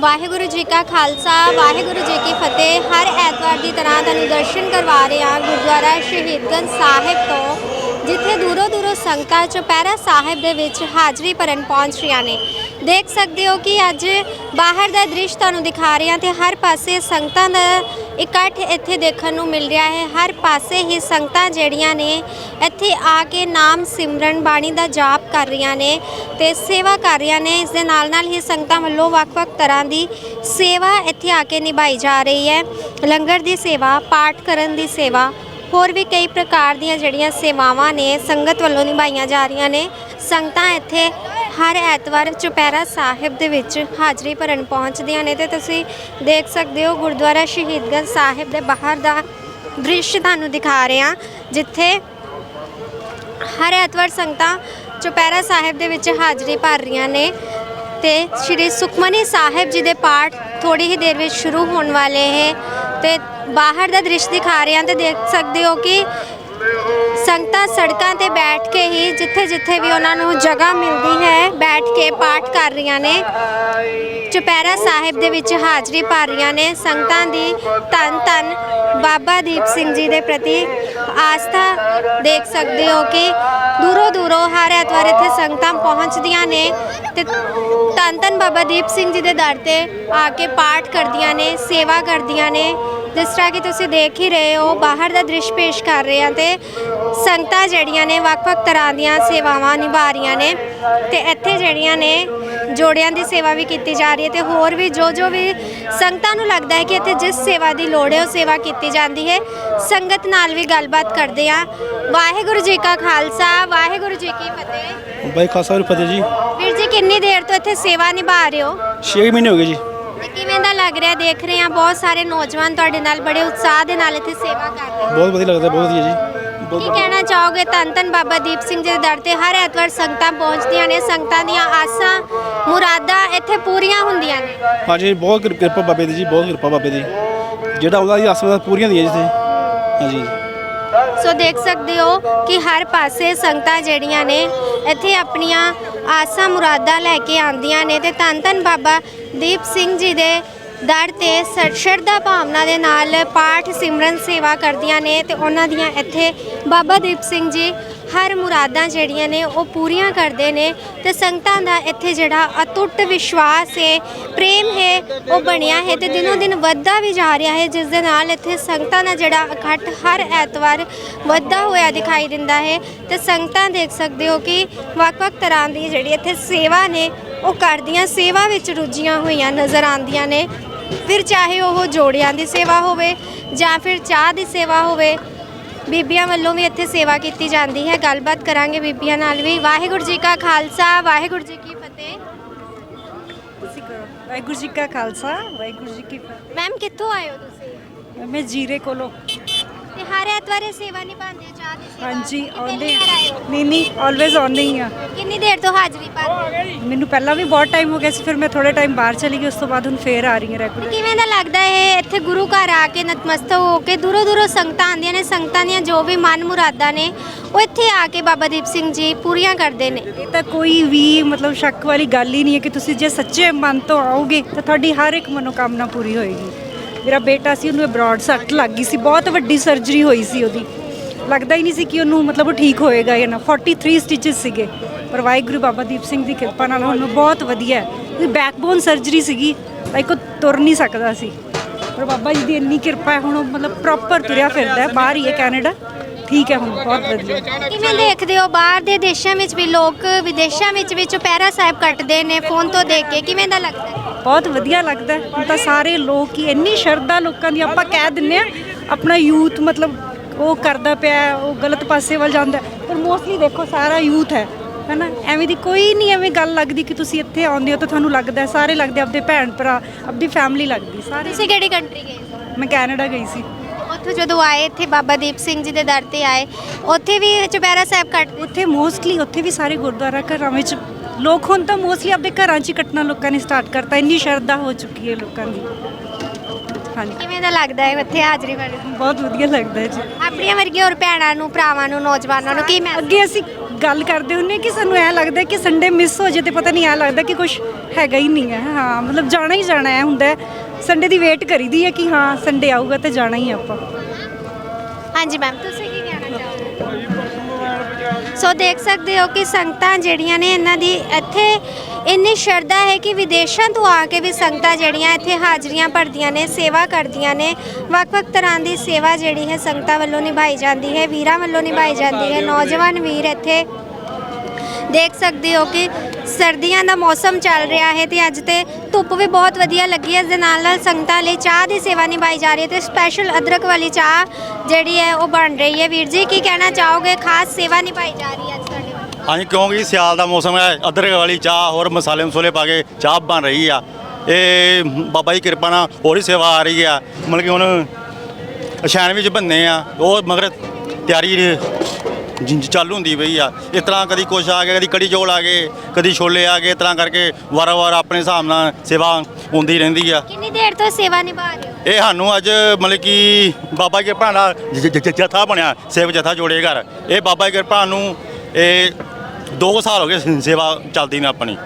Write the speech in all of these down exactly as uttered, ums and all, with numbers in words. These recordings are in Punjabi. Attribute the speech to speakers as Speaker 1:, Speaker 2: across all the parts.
Speaker 1: ਵਾਹਿਗੁਰੂ ਜੀ ਕਾ ਖਾਲਸਾ ਵਾਹਿਗੁਰੂ ਜੀ ਕੀ ਫਤਿਹ। ਹਰ ਐਤਵਾਰ ਦੀ ਤਰ੍ਹਾਂ ਤੁਹਾਨੂੰ ਦਰਸ਼ਨ ਕਰਵਾ ਰਹੇ ਹਾਂ ਗੁਰਦੁਆਰਾ ਸ਼ਹੀਦਗੰਜ ਸਾਹਿਬ ਤੋਂ, ਜਿੱਥੇ ਦੂਰੋਂ ਦੂਰੋਂ ਸੰਗਤਾਂ ਚੁਪਹਿਰਾ ਸਾਹਿਬ ਦੇ ਵਿੱਚ ਹਾਜ਼ਰੀ ਭਰਨ ਪਹੁੰਚ ਰਹੀਆਂ ਨੇ। ਦੇਖ ਸਕਦੇ ਹੋ ਕਿ ਅੱਜ ਬਾਹਰ ਦਾ ਦ੍ਰਿਸ਼ ਤੁਹਾਨੂੰ ਦਿਖਾ ਰਹੇ ਹਾਂ ਤੇ ਹਰ ਪਾਸੇ ਸੰਗਤਾਂ ਦਾ ਇਕੱਠ ਇੱਥੇ ਦੇਖਣ ਨੂੰ ਮਿਲ ਰਿਹਾ ਹੈ। ਹਰ ਪਾਸੇ ਹੀ ਸੰਗਤਾਂ ਜਿਹੜੀਆਂ ਨੇ ਇੱਥੇ ਆ ਕੇ ਨਾਮ ਸਿਮਰਨ ਬਾਣੀ ਦਾ ਜਾਪ ਕਰ ਰਹੀਆਂ ਨੇ ਤੇ ਸੇਵਾ ਕਰ ਰਹੀਆਂ ਨੇ। ਇਸ ਦੇ ਨਾਲ ਨਾਲ ਹੀ ਸੰਗਤਾਂ ਵੱਲੋਂ ਵੱਖ-ਵੱਖ ਤਰ੍ਹਾਂ ਦੀ ਸੇਵਾ ਇੱਥੇ ਆ ਕੇ ਨਿਭਾਈ ਜਾ ਰਹੀ ਹੈ। ਲੰਗਰ ਦੀ ਸੇਵਾ, ਪਾਠ ਕਰਨ ਦੀ ਸੇਵਾ, ਹੋਰ ਵੀ ਕਈ ਪ੍ਰਕਾਰ ਦੀਆਂ ਜਿਹੜੀਆਂ ਸੇਵਾਵਾਂ ਨੇ ਸੰਗਤ ਵੱਲੋਂ ਨਿਭਾਈਆਂ ਜਾ ਰਹੀਆਂ ਨੇ। ਸੰਗਤਾਂ ਇੱਥੇ ਹਰ ਐਤਵਾਰ ਚੁਪਹਿਰਾ ਸਾਹਿਬ ਦੇ ਵਿੱਚ ਹਾਜ਼ਰੀ ਭਰਨ ਪਹੁੰਚਦੀਆਂ ਨੇ ਤੇ ਤੁਸੀਂ ਦੇਖ ਸਕਦੇ ਹੋ ਗੁਰਦੁਆਰਾ ਸ਼ਹੀਦਗੰਜ ਸਾਹਿਬ ਦੇ ਬਾਹਰ ਦਾ ਦ੍ਰਿਸ਼ ਤੁਹਾਨੂੰ ਦਿਖਾ ਰਹੇ ਹਾਂ, ਜਿੱਥੇ ਹਰ ਐਤਵਾਰ ਸੰਗਤਾਂ ਚੁਪਹਿਰਾ ਸਾਹਿਬ ਦੇ ਵਿੱਚ ਹਾਜ਼ਰੀ ਭਰ ਰਹੀਆਂ ਨੇ ਤੇ ਸ਼੍ਰੀ ਸੁਖਮਨੀ ਸਾਹਿਬ ਜੀ ਦੇ ਪਾਠ ਥੋੜੀ ਹੀ ਦੇਰ ਵਿੱਚ ਸ਼ੁਰੂ ਹੋਣ ਵਾਲੇ ਹੈ ਤੇ ਬਾਹਰ ਦਾ ਦ੍ਰਿਸ਼ ਦਿਖਾ ਰਹੇ ਹਾਂ ਤੇ ਦੇਖ ਸਕਦੇ ਹੋ ਕਿ ਸੰਗਤਾਂ ਸੜਕਾਂ ਤੇ ਬੈਠ ਕੇ ਹੀ ਜਿੱਥੇ ਜਿੱਥੇ ਵੀ ਉਹਨਾਂ ਨੂੰ ਜਗ੍ਹਾ ਮਿਲਦੀ ਹੈ ਬੈਠ ਕੇ ਪਾਠ ਕਰ ਰਹੀਆਂ ਨੇ, ਚੁਪਹਿਰਾ ਸਾਹਿਬ ਦੇ ਵਿੱਚ ਹਾਜ਼ਰੀ ਭਰ ਰਹੀਆਂ ਨੇ। ਸੰਗਤਾਂ ਦੀ ਧੰਨ ਧੰਨ ਬਾਬਾ ਦੀਪ ਸਿੰਘ ਜੀ ਦੇ ਪ੍ਰਤੀ ਆਸਥਾ ਦੇਖ ਸਕਦੇ ਹੋ ਕਿ ਦੂਰੋਂ ਦੂਰੋਂ ਹਰ ਐਤਵਾਰ ਇੱਥੇ ਸੰਗਤਾਂ ਪਹੁੰਚਦੀਆਂ ਨੇ ਤੇ ਧੰਨ ਧੰਨ ਬਾਬਾ ਦੀਪ ਸਿੰਘ ਜੀ ਦੇ ਦਰ ਤੇ ਆ ਕੇ ਪਾਠ ਕਰਦੀਆਂ ਨੇ, ਸੇਵਾ ਕਰਦੀਆਂ ਨੇ। ਜਿਸ ਤਰ੍ਹਾਂ ਕਿ ਤੁਸੀਂ ਦੇਖ ਹੀ ਰਹੇ ਹੋ ਬਾਹਰ ਦਾ ਦ੍ਰਿਸ਼ ਪੇਸ਼ ਕਰ ਰਹੇ ਹਾਂ ਤੇ ਸੰਗਤਾਂ ਜਿਹੜੀਆਂ ਨੇ ਵੱਖ-ਵੱਖ ਤਰ੍ਹਾਂ ਦੀਆਂ ਸੇਵਾਵਾਂ ਨਿਭਾ ਰਹੀਆਂ ਨੇ ਤੇ ਇੱਥੇ ਜਿਹੜੀਆਂ ਨੇ ਜੋੜਿਆਂ ਦੀ ਸੇਵਾ ਵੀ ਕੀਤੀ ਜਾ ਰਹੀ ਹੈ ਤੇ ਹੋਰ ਵੀ ਜੋ ਜੋ ਵੀ ਸੰਗਤਾਂ ਨੂੰ ਲੱਗਦਾ ਹੈ ਕਿ ਇੱਥੇ ਜਿਸ ਸੇਵਾ ਦੀ ਲੋੜ ਹੈ ਉਹ ਸੇਵਾ ਕੀਤੀ ਜਾਂਦੀ ਹੈ। ਸੰਗਤ ਨਾਲ ਵੀ ਗੱਲਬਾਤ ਕਰਦੇ ਹਾਂ। ਵਾਹਿਗੁਰੂ ਜੀ ਕਾ ਖਾਲਸਾ ਵਾਹਿਗੁਰੂ ਜੀ ਕੀ ਫਤਿਹ।
Speaker 2: ਬਾਈ ਖਾਲਸਾ ਫਤਿਹ ਜੀ।
Speaker 1: ਵੀਰ ਜੀ ਕਿੰਨੀ ਦੇਰ ਤੋਂ ਇੱਥੇ ਸੇਵਾ ਨਿਭਾ ਰਹੇ ਹੋ?
Speaker 2: ਛੇ ਮਹੀਨੇ ਹੋ ਗਏ ਜੀ।
Speaker 1: ਤੇ ਕਿਵੇਂ ਦਾ ਲੱਗ ਰਿਹਾ? ਦੇਖ ਰਹੇ ਹਾਂ ਬਹੁਤ ਸਾਰੇ ਨੌਜਵਾਨ ਤੁਹਾਡੇ ਨਾਲ ਬੜੇ ਉਤਸ਼ਾਹ ਦੇ ਨਾਲ ਇੱਥੇ ਸੇਵਾ ਕਰ ਰਹੇ ਨੇ।
Speaker 2: ਬਹੁਤ ਵਧੀਆ ਲੱਗਦਾ, ਬਹੁਤ ਵਧੀਆ ਜੀ।
Speaker 1: ਕੀ ਕਹਿਣਾ ਚਾਹੋਗੇ? ਧੰਨ ਧੰਨ ਬਾਬਾ ਦੀਪ ਸਿੰਘ ਜੀ ਦੇ ਦਰ ਤੇ ਹਰ ਐਤਵਾਰ ਸੰਗਤਾਂ ਪਹੁੰਚਦੀਆਂ ਨੇ, ਸੰਗਤਾਂ ਦੀਆਂ ਆਸਾਂ ਮੁਰਾਦਾਂ ਇੱਥੇ ਪੂਰੀਆਂ ਹੁੰਦੀਆਂ ਨੇ।
Speaker 2: ਹਾਂਜੀ, ਬਹੁਤ ਕਿਰ- ਕਿਰਪਾ ਬਾਬੇ ਦੀ ਜੀ, ਬਹੁਤ ਕਿਰਪਾ ਬਾਬੇ ਦੀ। ਜਿਹੜਾ ਉਹਦਾ ਜੀ ਆਸਾਂ ਪੂਰੀਆਂ ਦੀਆਂ ਜਿੱਥੇ। ਹਾਂਜੀ
Speaker 1: ਸੋ ਦੇਖ ਸਕਦੇ ਹੋ ਕਿ ਹਰ ਪਾਸੇ ਸੰਗਤਾਂ ਜਿਹੜੀਆਂ ਨੇ ਇੱਥੇ ਆਪਣੀਆਂ ਆਸਾਂ ਮੁਰਾਦਾਂ ਲੈ ਕੇ ਆਉਂਦੀਆਂ ਨੇ ਤੇ ਧੰਨ ਧੰਨ ਬਾਬਾ ਦੀਪ ਸਿੰਘ ਜੀ ਦੇ ਦਰ ਤੇ ਸ਼ਰਧਾ ਭਾਵਨਾ ਦੇ ਨਾਲ ਪਾਠ ਸਿਮਰਨ ਸੇਵਾ ਕਰਦੀਆਂ ਨੇ ਤੇ ਉਹਨਾਂ ਦੀਆਂ ਇੱਥੇ ਬਾਬਾ ਦੀਪ ਸਿੰਘ ਜੀ ਹਰ ਮੁਰਾਦਾਂ ਜਿਹੜੀਆਂ ਨੇ ਉਹ ਪੂਰੀਆਂ ਕਰਦੇ ਨੇ ਤੇ ਸੰਗਤਾਂ ਦਾ ਇੱਥੇ ਜਿਹੜਾ ਅਟੁੱਟ ਵਿਸ਼ਵਾਸ ਹੈ, ਪ੍ਰੇਮ ਹੈ, ਉਹ ਬਣਿਆ ਹੈ ਤੇ ਦਿਨੋਂ ਦਿਨ ਵੱਧਦਾ ਵੀ ਜਾ ਰਿਹਾ ਹੈ, ਜਿਸ ਦੇ ਨਾਲ ਇੱਥੇ ਸੰਗਤਾਂ ਦਾ ਜਿਹੜਾ ਇਕੱਠ ਹਰ ਐਤਵਾਰ ਵੱਧਦਾ ਹੋਇਆ ਦਿਖਾਈ ਦਿੰਦਾ ਹੈ। ਤੇ ਸੰਗਤਾਂ ਦੇਖ ਸਕਦੇ ਹੋ ਕਿ ਵੱਖ-ਵੱਖ ਤਰ੍ਹਾਂ ਦੀ ਜਿਹੜੀ ਇੱਥੇ ਸੇਵਾ ਨੇ ਉਹ ਕਰਦੀਆਂ, ਸੇਵਾ ਵਿੱਚ ਰੁੱਝੀਆਂ ਹੋਈਆਂ ਨਜ਼ਰ ਆਉਂਦੀਆਂ ਨੇ। ਫਿਰ ਚਾਹੇ ਉਹ ਜੋੜਿਆਂ ਦੀ ਸੇਵਾ ਹੋਵੇ ਜਾਂ ਫਿਰ ਚਾਹ ਦੀ ਸੇਵਾ ਹੋਵੇ, ਬੀਬੀਆਂ ਵੱਲੋਂ ਵੀ ਇੱਥੇ ਸੇਵਾ ਕੀਤੀ ਜਾਂਦੀ ਹੈ। ਗੱਲਬਾਤ ਕਰਾਂਗੇ ਬੀਬੀਆਂ ਨਾਲ ਵੀ। ਵਾਹਿਗੁਰੂ ਜੀ ਕਾ ਖਾਲਸਾ ਵਾਹਿਗੁਰੂ ਜੀ ਕੀ ਫਤਿਹ।
Speaker 3: ਵਾਹਿਗੁਰੂ ਜੀ ਕਾ ਖਾਲਸਾ ਵਾਹਿਗੁਰੂ ਜੀ ਕੀ ਫਤਿਹ।
Speaker 1: ਮੈਮ ਕਿੱਥੋਂ ਆਏ ਹੋ ਤੁਸੀਂ?
Speaker 3: ਮੈਂ ਜੀਰੇ ਕੋਲੋਂ।
Speaker 1: ਤੇ ਹਰ ਐਤਵਾਰ ਇਹ ਸੇਵਾ ਨਿਭਾਉਂਦੇ ਹੋ, ਚਾਹ ਦੀ ਸੇਵਾ?
Speaker 3: ਹਾਂਜੀ
Speaker 1: ਤੇ
Speaker 3: ਆਉਂਦੇ
Speaker 1: ਪਹਿਲੀ ਵਾਰ ਆਏ ਹੋ?
Speaker 3: ਨਹੀਂ ਨਹੀਂ ਆਲਵੇਜ਼ ਆਉਂਦੇ ਹੀ ਆ।
Speaker 1: ਕਿੰਨੀ ਦੇਰ ਤੋਂ ਹਾਜ਼ਰੀ ਭਰ ਰਹੇ ਹੋ?
Speaker 3: ਮੈਨੂੰ ਪਹਿਲਾਂ ਵੀ ਬਹੁਤ ਟਾਈਮ ਹੋ ਗਿਆ ਸੀ, ਫਿਰ ਮੈਂ ਥੋੜੇ ਟਾਈਮ ਬਾਹਰ ਚਲੀ ਗਈ, ਉਸ ਤੋਂ ਬਾਅਦ ਹੁਣ ਫੇਰ ਆ ਰਹੀ ਹਾਂ ਰੈਗੂਲਰ।
Speaker 1: ਕਿਵੇਂ ਦਾ ਲੱਗਦਾ ਹੈ ਇੱਥੇ ਗੁਰੂ ਘਰ ਆ ਕੇ ਨਤਮਸਤਕ ਹੋ ਕੇ? ਦੂਰੋਂ ਦੂਰੋਂ ਸੰਗਤਾਂ ਆਉਂਦੀਆਂ ਨੇ, ਸੰਗਤਾਂ ਦੀਆਂ ਜੋ ਵੀ ਮਨ ਮੁਰਾਦਾਂ ਨੇ ਉਹ ਇੱਥੇ ਆ ਕੇ ਬਾਬਾ ਦੀਪ ਸਿੰਘ ਜੀ ਪੂਰੀਆਂ ਕਰਦੇ ਨੇ।
Speaker 3: ਇਹ ਤਾਂ ਕੋਈ ਵੀ ਮਤਲਬ ਸ਼ੱਕ ਵਾਲੀ ਗੱਲ ਹੀ ਨਹੀਂ ਹੈ ਕਿ ਤੁਸੀਂ ਜੇ ਸੱਚੇ ਮਨ ਤੋਂ ਆਓਗੇ ਤਾਂ ਤੁਹਾਡੀ ਹਰ ਇੱਕ ਮਨੋਕਾਮਨਾ ਪੂਰੀ ਹੋਏਗੀ। ਮੇਰਾ ਬੇਟਾ ਸੀ, ਉਹਨੂੰ ਬ੍ਰੌਡ ਸੱਟ ਲੱਗ ਗਈ ਸੀ, ਬਹੁਤ ਵੱਡੀ ਸਰਜਰੀ ਹੋਈ ਸੀ ਉਹਦੀ, ਲੱਗਦਾ ਹੀ ਨਹੀਂ ਸੀ ਕਿ ਉਹਨੂੰ ਮਤਲਬ ਉਹ ਠੀਕ ਹੋਏਗਾ ਜਾਂ ਨਾ। ਤੈਂਤਾਲੀ ਸਟਿਚਸ ਸੀਗੇ, ਪਰ ਵਾਹਿਗੁਰੂ ਬਾਬਾ ਦੀਪ ਸਿੰਘ ਦੀ ਕਿਰਪਾ ਨਾਲ ਉਹਨੂੰ ਬਹੁਤ ਵਧੀਆ ਹੈ। ਬੈਕਬੋਨ ਸਰਜਰੀ ਸੀਗੀ, ਲਾਈਕ ਉਹ ਤੁਰ ਨਹੀਂ ਸਕਦਾ ਸੀ, ਪਰ ਬਾਬਾ ਜੀ ਦੀ ਇੰਨੀ ਕਿਰਪਾ ਹੈ ਹੁਣ ਉਹ ਮਤਲਬ ਪ੍ਰੋਪਰ ਤੁਰਿਆ ਫਿਰਦਾ ਹੈ। ਬਾਹਰ ਹੀ ਹੈ ਕੈਨੇਡਾ, ਠੀਕ ਹੈ ਹੁਣ, ਬਹੁਤ ਵਧੀਆ।
Speaker 1: ਕਿਵੇਂ ਦੇਖਦੇ ਹੋ ਬਾਹਰ ਦੇ ਦੇਸ਼ਾਂ ਵਿੱਚ ਵੀ ਲੋਕ ਵਿਦੇਸ਼ਾਂ ਵਿੱਚ ਵੀ ਚੁਪਹਿਰਾ ਸਾਹਿਬ ਕੱਟਦੇ ਨੇ ਫੋਨ ਤੋਂ ਦੇਖ ਕੇ, ਕਿਵੇਂ ਦਾ ਲੱਗਦਾ ਹੈ?
Speaker 3: ਬਹੁਤ ਵਧੀਆ ਲੱਗਦਾ ਹੈ। ਹੁਣ ਤਾਂ ਸਾਰੇ ਲੋਕ ਹੀ ਇੰਨੀ ਸ਼ਰਧਾ ਲੋਕਾਂ ਦੀ, ਆਪਾਂ ਕਹਿ ਦਿੰਦੇ ਆ ਆਪਣਾ ਯੂਥ ਮਤਲਬ ਉਹ ਕਰਦਾ ਪਿਆ, ਉਹ ਗਲਤ ਪਾਸੇ ਵੱਲ ਜਾਂਦਾ, ਪਰ ਮੋਸਟਲੀ ਦੇਖੋ ਸਾਰਾ ਯੂਥ ਹੈ ਹੈ ਨਾ। ਐਵੇਂ ਦੀ ਕੋਈ ਨਹੀਂ ਐਵੇਂ ਗੱਲ ਲੱਗਦੀ ਕਿ ਤੁਸੀਂ ਇੱਥੇ ਆਉਂਦੇ ਹੋ ਤਾਂ ਤੁਹਾਨੂੰ ਲੱਗਦਾ, ਸਾਰੇ ਲੱਗਦੇ ਆਪਦੇ ਭੈਣ ਭਰਾ, ਆਪਦੀ ਫੈਮਿਲੀ ਲੱਗਦੀ ਸਾਰੇ।
Speaker 1: ਤੁਸੀਂ ਕਿਹੜੀ ਕੰਟਰੀ ਗਏ?
Speaker 3: ਮੈਂ ਕੈਨੇਡਾ ਗਈ ਸੀ।
Speaker 1: ਉੱਥੋਂ ਜਦੋਂ ਆਏ ਇੱਥੇ ਬਾਬਾ ਦੀਪ ਸਿੰਘ ਜੀ ਦੇ ਦਰ ਤੇ ਆਏ, ਉੱਥੇ ਵੀ ਚੁਪਹਿਰਾ ਸਾਹਿਬ ਕੱਟ?
Speaker 3: ਉੱਥੇ ਮੋਸਟਲੀ ਉੱਥੇ ਵੀ ਸਾਰੇ ਗੁਰਦੁਆਰਾ ਘਰਾਂ ਵਿੱਚ ਲੋਕ ਹੁਣ ਤਾਂ ਮੋਸਟਲੀ ਆਪਣੇ ਘਰਾਂ 'ਚ ਹੀ ਕੱਟਣਾ ਲੋਕਾਂ ਨੇ ਸਟਾਰਟ ਕਰਤਾ, ਇੰਨੀ ਸ਼ਰਧਾ ਹੋ ਚੁੱਕੀ ਹੈ ਲੋਕਾਂ ਦੀ। ਹਾਂਜੀ,
Speaker 1: ਕਿਵੇਂ ਦਾ ਲੱਗਦਾ ਹੈ ਇੱਥੇ ਹਾਜ਼ਰੀ ਭਰਨ?
Speaker 3: ਬਹੁਤ ਵਧੀਆ ਲੱਗਦਾ ਹੈ ਜੀ।
Speaker 1: ਆਪਣੀਆਂ ਵਰਗੀਆਂ ਹੋਰ ਭੈਣਾਂ ਨੂੰ, ਭਰਾਵਾਂ ਨੂੰ, ਨੌਜਵਾਨਾਂ ਨੂੰ ਕੀ ਮੈਂ
Speaker 3: ਅੱਗੇ ਅਸੀਂ ਗੱਲ ਕਰਦੇ ਹੁੰਨੇ ਕਿ ਸਾਨੂੰ ਐ ਲੱਗਦਾ ਕਿ ਸੰਡੇ ਮਿਸ ਹੋ ਜੇ ਤੇ ਪਤਾ ਨਹੀਂ ਐ ਲੱਗਦਾ ਕਿ ਕੁਝ ਹੈਗਾ ਹੀ ਨਹੀਂ ਹੈ। ਹਾਂ ਮਤਲਬ ਜਾਣਾ ਹੀ ਜਾਣਾ ਹੈ ਹੁੰਦਾ ਸੰਡੇ ਦੀ ਵੇਟ ਕਰੀਦੀ ਹੈ ਕਿ ਹਾਂ ਸੰਡੇ ਆਊਗਾ ਤੇ ਜਾਣਾ ਹੀ ਆਪਾਂ।
Speaker 1: ਹਾਂਜੀ ਮੈਮ ਤੁਸੀਂ ਕੀ ਕਹਿਣਾ ਚਾਹੋਗੇ? ਸੋ ਦੇਖ ਸਕਦੇ ਹੋ ਕਿ ਸੰਗਤਾਂ ਜਿਹੜੀਆਂ ਨੇ ਇਹਨਾਂ ਦੀ ਇੱਥੇ ਇੰਨੀ ਸ਼ਰਧਾ ਹੈ ਕਿ ਵਿਦੇਸ਼ਾਂ ਤੋਂ ਆ ਕੇ ਵੀ ਸੰਗਤਾਂ ਜਿਹੜੀਆਂ ਇੱਥੇ ਹਾਜ਼ਰੀਆਂ ਭਰਦੀਆਂ ਨੇ, ਸੇਵਾ ਕਰਦੀਆਂ ਨੇ। ਵੱਖ-ਵੱਖ ਤਰ੍ਹਾਂ ਦੀ ਸੇਵਾ ਜਿਹੜੀ ਹੈ ਸੰਗਤਾਂ ਵੱਲੋਂ ਨਿਭਾਈ ਜਾਂਦੀ ਹੈ, ਵੀਰਾਂ ਵੱਲੋਂ ਨਿਭਾਈ ਜਾਂਦੀ ਹੈ। ਨੌਜਵਾਨ ਵੀਰ ਇੱਥੇ ਦੇਖ ਸਕਦੇ ਹੋ ਕਿ ਸਰਦੀਆਂ ਦਾ ਮੌਸਮ ਚੱਲ ਰਿਹਾ ਹੈ ਤੇ ਅੱਜ ਤੇ ਧੁੱਪ ਵੀ ਬਹੁਤ ਵਧੀਆ ਲੱਗੀ ਹੈ। ਇਸ ਦੇ ਨਾਲ ਨਾਲ ਸੰਗਤਾਂ ਲਈ ਚਾਹ ਦੀ ਸੇਵਾ ਨਿਭਾਈ ਜਾ ਰਹੀ ਹੈ ਤੇ ਸਪੈਸ਼ਲ ਅਦਰਕ ਵਾਲੀ ਚਾਹ ਜਿਹੜੀ ਹੈ ਉਹ ਬਣ ਰਹੀ ਹੈ। ਵੀਰ ਜੀ ਕੀ ਕਹਿਣਾ ਚਾਹੋਗੇ? ਖਾਸ ਸੇਵਾ ਨਿਭਾਈ ਜਾ ਰਹੀ ਹੈ ਅੱਜ ਤੁਹਾਡੇ ਵੱਲੋਂ।
Speaker 4: ਹਾਂਜੀ, ਕਿਉਂਕਿ ਸਿਆਲ ਦਾ ਮੌਸਮ ਹੈ, ਅਦਰਕ ਵਾਲੀ ਚਾਹ ਹੋਰ ਮਸਾਲੇ ਮਸੂਲੇ ਪਾ ਕੇ ਚਾਹ ਬਣ ਰਹੀ ਆ। ਇਹ ਬਾਬਾ ਜੀ ਕਿਰਪਾ ਨਾਲ ਹੋਰ ਹੀ ਸੇਵਾ ਆ ਰਹੀ ਆ। ਮਤਲਬ ਕਿ ਹੁਣ ਅਸ਼ਾਨ ਵਿੱਚ ਬੰਨੇ ਆ ਉਹ ਮਗਰ ਤਿਆਰੀ ਜ- ਚਾਲੂ ਹੁੰਦੀ ਪਈ ਆ। ਇਸ ਤਰ੍ਹਾਂ ਕਦੀ ਕੁਛ ਆ ਗਿਆ, ਕਦੀ ਕੜੀ ਚੌਲ ਆ ਗਏ, ਕਦੀ ਛੋਲੇ ਆ ਗਏ। ਇਸ ਤਰ੍ਹਾਂ ਕਰਕੇ ਵਾਰ-ਵਾਰ ਆਪਣੇ ਹਿਸਾਬ ਨਾਲ ਸੇਵਾ ਹੁੰਦੀ ਰਹਿੰਦੀ ਆ।
Speaker 1: ਕਿੰਨੀ ਦੇਰ ਤੋਂ ਸੇਵਾ ਨਿਭਾ ਰਹੇ ਹੋ?
Speaker 4: ਇਹ ਸਾਨੂੰ ਅੱਜ ਮਤਲਬ ਕਿ ਬਾਬਾ ਜੀ ਕਿਰਪਾ ਨਾਲ ਜ- ਜ- ਜ- ਜਥਾ ਬਣਿਆ, ਸੇਵਕ ਜਥਾ ਜੋੜੇ ਘਰ। ਇਹ ਬਾਬਾ ਜੀ ਕਿਰਪਾ ਨੂੰ ਇਹ ਦੋ ਕੁ ਸਾਲ ਹੋ ਗਏ ਸ- ਸੇਵਾ ਚੱਲਦੀ ਨੇ ਆਪਣੀ।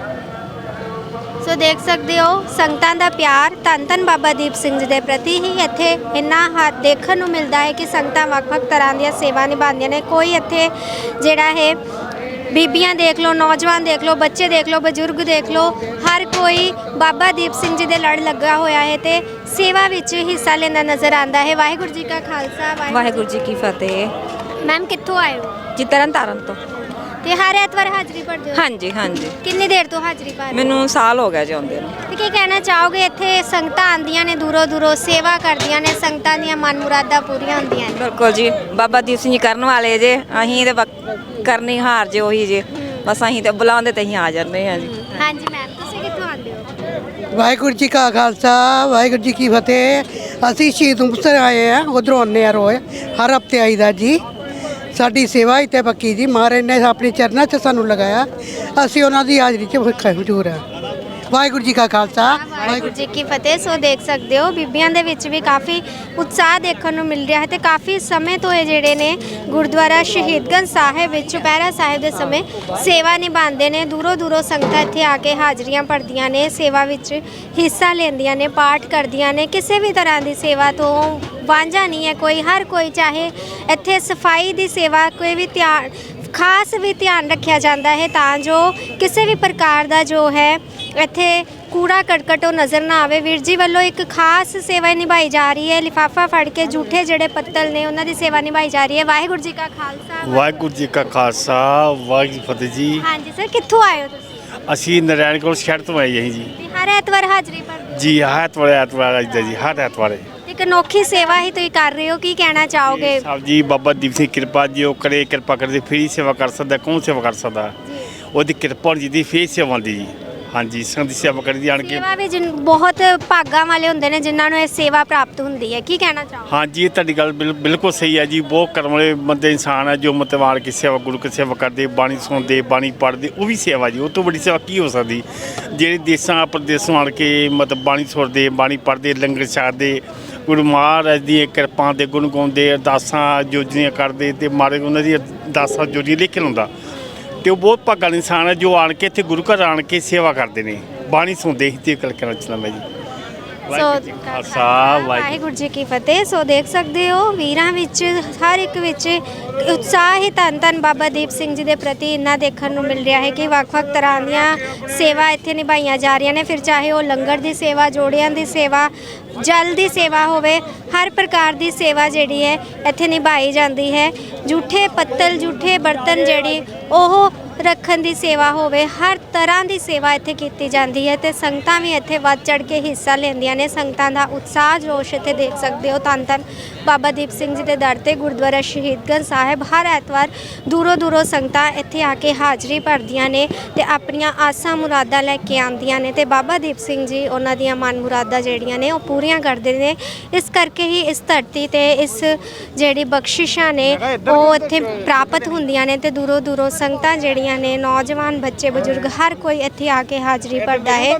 Speaker 1: ਸੋ ਦੇਖ ਸਕਦੇ ਹੋ ਸੰਗਤਾਂ ਦਾ ਪਿਆਰ ਧੰਨ ਧੰਨ ਬਾਬਾ ਦੀਪ ਸਿੰਘ ਜੀ ਦੇ ਪ੍ਰਤੀ ਹੀ ਇੱਥੇ ਇੰਨਾ ਹ ਦੇਖਣ ਨੂੰ ਮਿਲਦਾ ਹੈ ਕਿ ਸੰਗਤਾਂ ਵੱਖ-ਵੱਖ ਤਰ੍ਹਾਂ ਦੀਆਂ ਸੇਵਾ ਨਿਭਾਉਂਦੀਆਂ ਨੇ। ਕੋਈ ਇੱਥੇ ਜਿਹੜਾ ਹੈ ਬੀਬੀਆਂ ਦੇਖ ਲਓ, ਨੌਜਵਾਨ ਦੇਖ ਲਓ, ਬੱਚੇ ਦੇਖ ਲਓ, ਬਜ਼ੁਰਗ ਦੇਖ ਲਓ, ਹਰ ਕੋਈ ਬਾਬਾ ਦੀਪ ਸਿੰਘ ਜੀ ਦੇ ਲੜ ਲੱਗਾ ਹੋਇਆ ਹੈ ਤੇ ਸੇਵਾ ਵਿੱਚ ਹਿੱਸਾ ਲੈਂਦਾ ਨਜ਼ਰ ਆਉਂਦਾ ਹੈ। ਵਾਹਿਗੁਰੂ ਜੀ ਕਾ ਖਾਲਸਾ,
Speaker 5: ਵਾਹਿਗੁਰੂ ਜੀ ਕੀ ਫਤਿਹ।
Speaker 1: ਮੈਮ ਕਿੱਥੋਂ ਆਏ ਹੋ?
Speaker 5: ਜੀ ਤਰਨ ਤਾਰਨ ਤੋਂ।
Speaker 1: ਤੇ ਹਰ ਐਤਵਾਰ ਹਾਜ਼ਰੀ ਭਰਦੇ ਹੋ?
Speaker 5: ਹਾਂਜੀ ਹਾਂਜੀ,
Speaker 1: ਕਿੰਨੀ ਦੇਰ ਤੋਂ ਹਾਜ਼ਰੀ ਭਰ ਰਹੇ ਹੋ?
Speaker 5: ਮੈਨੂੰ ਸਾਲ ਹੋ ਗਿਆ ਜੀ ਆਉਂਦੇ ਨੂੰ।
Speaker 1: ਤੇ ਕੀ ਕਹਿਣਾ ਚਾਹੋਗੇ? ਇੱਥੇ ਸੰਗਤਾਂ ਆਉਂਦੀਆਂ ਨੇ ਦੂਰੋਂ ਦੂਰੋਂ, ਸੇਵਾ ਕਰਦੀਆਂ ਨੇ, ਸੰਗਤਾਂ ਦੀਆਂ ਮਨ ਮੁਰਾਦਾਂ ਪੂਰੀਆਂ ਹੁੰਦੀਆਂ ਨੇ।
Speaker 5: ਬਿਲਕੁਲ ਜੀ, ਬਾਬਾ ਦੀਪ ਸਿੰਘ ਜੀ ਕਰਨ ਵਾਲੇ ਜੇ, ਅਸੀਂ ਤੇ ਬਕ- ਕਰਨੀ ਹਾਰ ਜੇ ਉਹੀ ਜੇ, ਬਸ ਅਸੀਂ ਤੇ ਬੁਲਾਉਂਦੇ ਤੇ ਅਸੀਂ ਆ ਜਾਂਦੇ ਹਾਂ ਜੀ।
Speaker 1: ਹਾਂਜੀ ਮੈਮ, ਤੁਸੀਂ ਕਿੱਥੋਂ ਆਉਂਦੇ ਹੋ?
Speaker 6: ਵਾਹਿਗੁਰੂ ਜੀ ਕਾ ਖਾਲਸਾ, ਵਾਹਿਗੁਰੂ ਜੀ ਕੀ ਫਤਿਹ। ਅਸੀਂ ਸ਼ਹੀਦ ਮੁਕਤਸਰ ਆਏ ਆ, ਉਧਰੋਂ ਆਉਂਦੇ ਆ ਰੋਜ਼, ਹਰ ਹਫਤੇ ਆਈਦਾ ਜੀ। ਸਾਡੀ ਸੇਵਾ ਇੱਥੇ ਪੱਕੀ ਜੀ, ਮਹਾਰਾਜ ਨੇ ਆਪਣੇ ਚਰਨਾਂ 'ਚ ਸਾਨੂੰ ਲਗਾਇਆ, ਅਸੀਂ ਉਹਨਾਂ ਦੀ ਹਾਜ਼ਰੀ 'ਚ ਹਜ਼ੂਰ ਆ। ਵਾਹਿਗੁਰੂ ਜੀ ਕਾ ਖਾਲਸਾ,
Speaker 1: ਵਾਹਿਗੁਰੂ ਜੀ ਕੀ ਫਤਿਹ। ਸੋ ਦੇਖ ਸਕਦੇ ਹੋ ਬੀਬੀਆਂ ਦੇ ਵਿੱਚ ਵੀ ਕਾਫੀ ਉਤਸ਼ਾਹ ਦੇਖਣ ਨੂੰ ਮਿਲ ਰਿਹਾ ਹੈ ਤੇ ਕਾਫੀ ਸਮੇਂ ਤੋਂ ਇਹ ਜਿਹੜੇ ਨੇ ਗੁਰਦੁਆਰਾ ਸ਼ਹੀਦਗੰਜ ਸਾਹਿਬ ਵਿੱਚ ਚੁਪਹਿਰਾ ਸਾਹਿਬ ਦੇ ਸਮੇਂ ਸੇਵਾ ਨਿਭਾਉਂਦੇ ਨੇ। ਦੂਰੋਂ ਦੂਰੋਂ ਸੰਗਤਾਂ ਇੱਥੇ ਆ ਕੇ ਹਾਜ਼ਰੀਆਂ ਭਰਦੀਆਂ ਨੇ, ਸੇਵਾ ਵਿੱਚ ਹਿੱਸਾ ਲੈਂਦੀਆਂ ਨੇ, ਪਾਠ ਕਰਦੀਆਂ ਨੇ। ਕਿਸੇ ਵੀ ਤਰ੍ਹਾਂ ਦੀ ਸੇਵਾ ਤੋਂ ਵਾਂਝਾ ਨਹੀਂ ਹੈ ਕੋਈ। ਹਰ ਕੋਈ, ਚਾਹੇ ਇੱਥੇ ਸਫਾਈ ਦੀ ਸੇਵਾ, ਕੋਈ ਵੀ ਧਿਆਨ ਖਾਸ ਵੀ ਧਿਆਨ ਰੱਖਿਆ ਜਾਂਦਾ ਹੈ ਤਾਂ ਜੋ ਕਿਸੇ ਵੀ ਪ੍ਰਕਾਰ ਦਾ ਜੋ ਹੈ ਇੱਥੇ ਕੂੜਾ ਕਰਕਟ ਉਹ ਨਜ਼ਰ ਨਾ ਆਵੇ। ਵੀਰ ਜੀ ਵੱਲੋਂ ਇੱਕ ਖਾਸ ਸੇਵਾ ਨਿਭਾਈ ਜਾ ਰਹੀ ਹੈ। ਲਿਫਾਫਾ ਫੜ ਕੇ ਜੂਠੇ ਜਿਹੜੇ ਪੱਤਲ ਨੇ ਉਹਨਾਂ ਦੀ ਸੇਵਾ ਨਿਭਾਈ ਜਾ ਰਹੀ ਹੈ। ਵਾਹਿਗੁਰੂ ਜੀ ਕਾ ਖਾਲਸਾ,
Speaker 7: ਵਾਹਿਗੁਰੂ ਜੀ ਕਾ ਖਾਲਸਾ, ਵਾਹਿਗੁਰੂ ਜੀ ਕੀ ਫਤਿਹ ਜੀ।
Speaker 1: ਹਾਂਜੀ ਸਰ, ਕਿੱਥੋਂ ਆਏ ਹੋ ਤੁਸੀਂ?
Speaker 7: ਅਸੀਂ ਨਰਾਇਣਗੜ੍ਹ ਸ਼ਹਿਰ ਤੋਂ ਆਏ ਹਾਂ ਜੀ।
Speaker 1: ਤੇ ਹਰ ਐਤਵਾਰ ਹਾਜ਼ਰੀ ਭਰਦੇ ਹੋ?
Speaker 7: ਜੀ ਹਰ ਐਤਵਾਰ ਐਤਵਾਰ ਆਈਦਾ ਜੀ, ਹਰ ਐਤਵਾਰ।
Speaker 1: ਇੱਕ ਅਨੋਖੀ ਸੇਵਾ ਹੀ ਤੁਸੀਂ ਕਰ ਰਹੇ ਹੋ, ਕੀ ਕਹਿਣਾ ਚਾਹੋਗੇ?
Speaker 7: ਸਾਹਿਬ ਜੀ, ਬਾਬਾ ਦੀਪ ਸਿੰਘ ਕਿਰਪਾ ਜੀ ਉਹ ਕਰੇ, ਕਿਰਪਾ ਕਰਦੇ ਫਿਰ ਹੀ ਸੇਵਾ ਕਰ ਸਕਦਾ, ਕੌਣ ਸੇਵਾ ਕਰ ਸਕਦਾ? ਉਹਦੀ ਕਿਰਪਾ ਜੀ ਦੀ ਫੇਰ ਸੇਵਾ ਹੁੰਦੀ ਜੀ। ਹਾਂਜੀ, ਸੰਗਤ ਦੀ ਸੇਵਾ ਕਰਦੀ ਆਣ ਕੇ।
Speaker 1: ਸੇਵਾ ਵੀ ਜਿਨ ਬਹੁਤ ਭਾਗਾਂ ਵਾਲੇ ਹੁੰਦੇ ਨੇ ਜਿਨ੍ਹਾਂ ਨੂੰ ਇਹ ਸੇਵਾ ਪ੍ਰਾਪਤ ਹੁੰਦੀ ਹੈ, ਕੀ ਕਹਿਣਾ ਚਾਹੋਗੇ?
Speaker 7: ਹਾਂਜੀ, ਇਹ ਤੁਹਾਡੀ ਗੱਲ ਬਿਲ- ਬਿਲਕੁਲ ਸਹੀ ਹੈ ਜੀ। ਬਹੁਤ ਕਰਮ ਵਾਲੇ ਬੰਦੇ ਇਨਸਾਨ ਹੈ ਜੋ ਮਤਲਬ ਆਣ ਕੇ ਸੇਵਾ, ਗੁਰੂ ਕੀ ਸੇਵਾ ਕਰਦੇ, ਬਾਣੀ ਸੁਣਦੇ, ਬਾਣੀ ਪੜ੍ਹਦੇ, ਉਹ ਵੀ ਸੇਵਾ ਜੀ। ਉਹ ਤੋਂ ਵੱਡੀ ਸੇਵਾ ਕੀ ਹੋ ਸਕਦੀ? ਜਿਹੜੇ ਦੇਸਾਂ ਪ੍ਰਦੇਸੋਂ ਆਣ ਕੇ ਮਤਲਬ ਬਾਣੀ ਸੁਣਦੇ, ਬਾਣੀ ਪੜ੍ਹਦੇ, ਲੰਗਰ ਛਕਦੇ, ਗੁਰੂ ਮਹਾਰਾਜ ਦੀ ਕਿਰਪਾ ਦੇ ਗੁਣ ਗਾਉਂਦੇ, ਅਰਦਾਸਾਂ ਜੋਜੀਆਂ ਕਰਦੇ ਤੇ ਮਾਰੇ ਉਹਨਾਂ ਦੀ ਅਰਦਾਸਾਂ ਜੋਜੀ ਲਿਖਣ ਹੁੰਦਾ। ਤੇ ਉਹ ਬਹੁਤ ਭਾਗਾਂ ਵਾਲੇ ਇਨਸਾਨ ਹੈ ਜੋ ਆਣ ਕੇ ਇੱਥੇ ਗੁਰੂ ਘਰ ਆਣ ਕੇ ਸੇਵਾ ਕਰਦੇ ਨੇ, ਬਾਣੀ ਸੁਣਦੇ ਹੀ ਤੇ ਗੱਲ ਕਰਨਾ ਚਾਹੁੰਦਾ ਮੈਂ ਜੀ। ਵਾਹਿਗੁਰੂ ਜੀ ਕਾ ਖਾਲਸਾ,
Speaker 1: ਵਾਹਿਗੁਰੂ ਜੀ ਕੀ ਫਤਿਹ। ਸੋ ਦੇਖ ਸਕਦੇ ਹੋ ਵੀਰਾਂ ਵਿੱਚ, ਹਰ ਇੱਕ ਵਿੱਚ ਉਤਸ਼ਾਹ ਹੀ ਧੰਨ ਧੰਨ ਬਾਬਾ ਦੀਪ ਸਿੰਘ ਜੀ ਦੇ ਪ੍ਰਤੀ ਇੰਨਾ ਦੇਖਣ ਨੂੰ ਮਿਲ ਰਿਹਾ ਹੈ ਕਿ ਵੱਖ-ਵੱਖ ਤਰ੍ਹਾਂ ਦੀਆਂ ਸੇਵਾ ਇੱਥੇ ਨਿਭਾਈਆਂ ਜਾ ਰਹੀਆਂ ਨੇ। ਫਿਰ ਚਾਹੇ ਉਹ ਲੰਗਰ ਦੀ ਸੇਵਾ, ਜੋੜਿਆਂ ਦੀ ਸੇਵਾ, ਜਲ ਦੀ ਸੇਵਾ ਹੋਵੇ, ਹਰ ਪ੍ਰਕਾਰ ਦੀ ਸੇਵਾ ਜਿਹੜੀ ਹੈ ਇੱਥੇ ਨਿਭਾਈ ਜਾਂਦੀ ਹੈ। ਜੂਠੇ ਪੱਤਲ, ਜੂਠੇ ਬਰਤਨ ਜਿਹੜੀ ਉਹ ਰੱਖਣ ਦੀ ਸੇਵਾ ਹੋਵੇ, ਹਰ ਤਰ੍ਹਾਂ ਦੀ ਸੇਵਾ ਇੱਥੇ ਕੀਤੀ ਜਾਂਦੀ ਹੈ ਤੇ ਸੰਗਤਾਂ ਵੀ ਇੱਥੇ ਵੱਧ ਚੜ੍ਹ ਕੇ ਹਿੱਸਾ ਲੈਂਦੀਆਂ ਨੇ। ਸੰਗਤਾਂ ਦਾ ਉਤਸ਼ਾਹ ਜੋਸ਼ ਇੱਥੇ ਦੇਖ ਸਕਦੇ ਹੋ। ਧੰਨ ਧੰਨ ਬਾਬਾ ਦੀਪ ਸਿੰਘ ਜੀ ਦੇ ਦਰ ਤੇ ਗੁਰਦੁਆਰਾ ਸ਼ਹੀਦਗੰਜ ਸਾਹਿਬ ਹਰ ਐਤਵਾਰ ਦੂਰੋਂ ਦੂਰੋਂ ਸੰਗਤਾਂ ਇੱਥੇ ਆ ਕੇ ਹਾਜ਼ਰੀ ਭਰਦੀਆਂ ਨੇ ਤੇ ਆਪਣੀਆਂ ਆਸਾਂ ਮੁਰਾਦਾਂ ਲੈ ਕੇ ਆਉਂਦੀਆਂ ਨੇ ਤੇ ਬਾਬਾ ਦੀਪ ਸਿੰਘ ਜੀ ਉਹਨਾਂ ਦੀਆਂ ਮਨ ਮੁਰਾਦਾਂ ਜਿਹੜੀਆਂ ਨੇ ਉਹ ਪੂਰੀਆਂ ਕਰਦੇ ਨੇ। ਇਸ ਕਰਕੇ ਹੀ ਇਸ ਧਰਤੀ ਤੇ ਇਸ ਜਿਹੜੀ ਬਖਸ਼ਿਸ਼ਾਂ ਨੇ ਉਹ ਇੱਥੇ ਪ੍ਰਾਪਤ ਹੁੰਦੀਆਂ ਨੇ ਤੇ ਦੂਰੋਂ ਦੂਰੋਂ ਸੰਗਤਾਂ ਜਿਹੜੀਆਂ ਨੇ, ਨੌਜਵਾਨ, ਬੱਚੇ, ਬਜ਼ੁਰਗ, ਹਰ ਕੋਈ ਇੱਥੇ ਆ ਕੇ ਹਾਜ਼ਰੀ ਭਰਦਾ ਹੈ।